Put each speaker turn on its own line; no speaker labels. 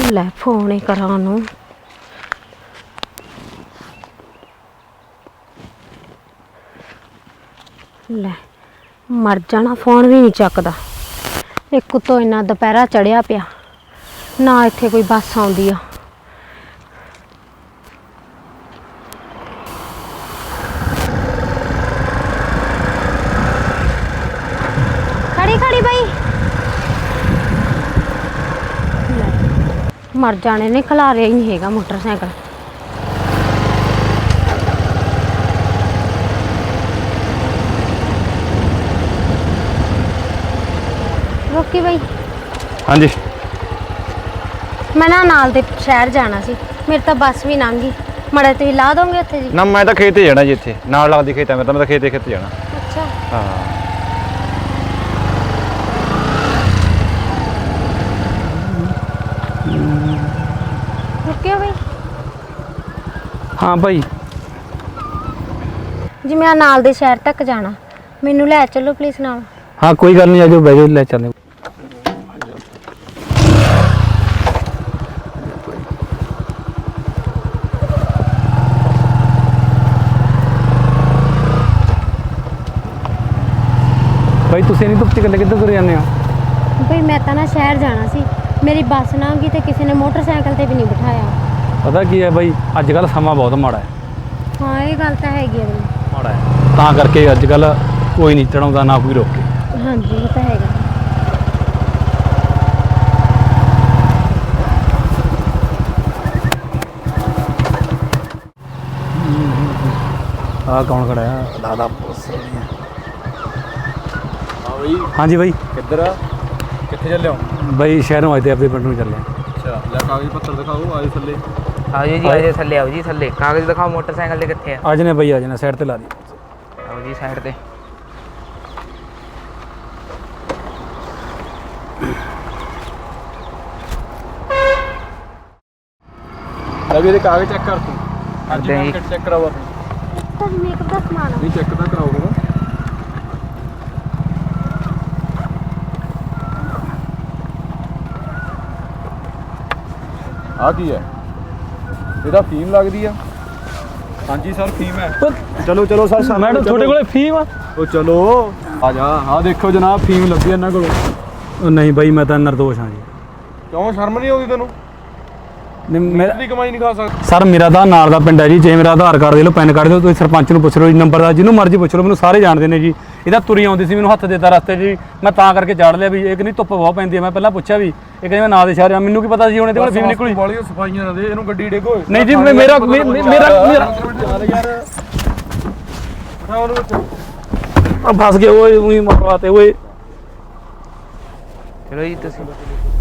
ਲੈ फोन ही करा ਉਹਨੂੰ। ਲੈ मर जाना, फोन भी नहीं चकदा। एक तो इन्ना दोपहरा चढ़िया पिया ना, इत्थे कोई बस आउंदी आ। खड़ी खड़ी बई, मर जाने ने, खिलारिया ही नहीं हैगा मोटरसाइकिल। रोकी बई।
हाँ जी,
मैं ना नाल दे शहर जाना सी, मेरे तो बस भी लंघ गई। मड़ा तुसीं ला दोगे उत्थे जी?
ना मैं तो खेत ही जाना जी, इत्थे नाल लगदी खेत है मेरा, मैं तो खेत जाना।
अच्छा
हाँ
रुकियो बई।
हाँ भाई,
जी मैं नाल दे शहर तक जाना, मैनू लै चलो प्लीज़ नाल।
हाँ कोई गल नहीं, आ जाओ बह जाओ, ले चलें। भाई तुसीं नहीं धुप्प च कल्ले किद्धर तुरे जाने हो?
बई मैं तो ना शहर जाना सी, मेरी बस लंघ गई तो किसी ने मोटरसाइकिल ते भी नहीं बिठाया।
पता की है भाई, अजकल समा बहुत माड़ा है।
हाँ ये गल तो हैगी है बई।
माड़ा है तां करके अजकल कोई नहीं चढ़ाउंदा, ना कोई रोके।
हाँ जी वो तो हैगा।
कौन खड़ा है? दादा हाँ जी भाई,
किधर कितने चले हो
भाई शहरों आए थे, अपने पिंड में चले।
अच्छा ले कागज पत्र दिखाओ, आज थले
आओ जी, आज थले आओ जी, थले कागज दिखाओ, मोटरसाइकिल दे किथे है?
आज ने भाई, आज ने साइड ते ला दी।
आओ जी साइड ते।
अभी ये कागज चेक कर तू, आज
दे।
मार्केट चेक कराओ अपनी,
तो मेकअप का सामान
नहीं चेक तो कराओगे ना। आ की है ਇਹਦਾ ਫੀਮ ਲੱਗਦੀ ਆ? ਹਾਂਜੀ ਸਰ ਫੀਮ ਹੈ। ਚਲੋ ਚਲੋ ਸਰ,
मैडम छोटे कोले फीम
ਉਹ ਚਲੋ ਆ ਜਾ। ਆ ਦੇਖੋ ਜਨਾਬ ਫੀਮ ਲੱਗੀ ਇਹਨਾਂ ਕੋਲ।
नहीं भाई, मैं तो निर्दोष हाँ जी।
ਕਿਉਂ ਸ਼ਰਮ ਨਹੀਂ ਆਉਂਦੀ ਤੈਨੂੰ?
मेरा
ਦੀ ਕਮਾਈ ਨਹੀਂ ਖਾ ਸਕਦਾ?
सर मेरा तो नाल का पिंड है जी, जे मेरा आधार कार्ड दे लो, पैन कार्ड दे लो, तुम सरपंच ਨੂੰ ਪੁੱਛ ਲਓ ਜੀ, ਨੰਬਰ ਦਾ ਜਿਹਨੂੰ ਮਰਜ਼ੀ ਪੁੱਛ ਲਓ, ਮੈਨੂੰ ਸਾਰੇ ਜਾਣਦੇ ਨੇ ਜੀ। ਇਹਦਾ ਤੁਰੀ ਆਉਂਦੀ ਸੀ, ਮੈਨੂੰ ਹੱਥ ਦੇਤਾ ਰਸਤੇ 'ਚ ਜੀ, ਮੈਂ ਤਾਂ ਕਰਕੇ ਜਾੜ ਲਿਆ ਵੀ ਇਹ ਨਹੀਂ ਧੁੱਪ ਬਹੁਤ ਪੈਂਦੀ ਹੈ। ਮੈਂ ਪਹਿਲਾਂ ਪੁੱਛਿਆ ਵੀ ਇਹ ਕਹਿੰਦੇ ਮੈਂ ਨਾਂ ਦੇ ਸ਼ਹਿਰ ਆ, ਮੈਨੂੰ ਕੀ ਪਤਾ ਸੀ ਹੁਣ ਇਹਦੇ ਕੋਲ ਫੀਮ ਨਿਕਲੀ।
ਵਾਲੀਆਂ ਸਫਾਈਆਂ ਨਾ ਦੇ ਇਹਨੂੰ, ਗੱਡੀ ਡੇਗੋ।
ਨਹੀਂ ਜੀ, ਮੇਰਾ ਫਸ ਗਏ ਓਏ, ਉਹੀ ਮਰਵਾਤੇ ਓਏ।
चलो जी तुसी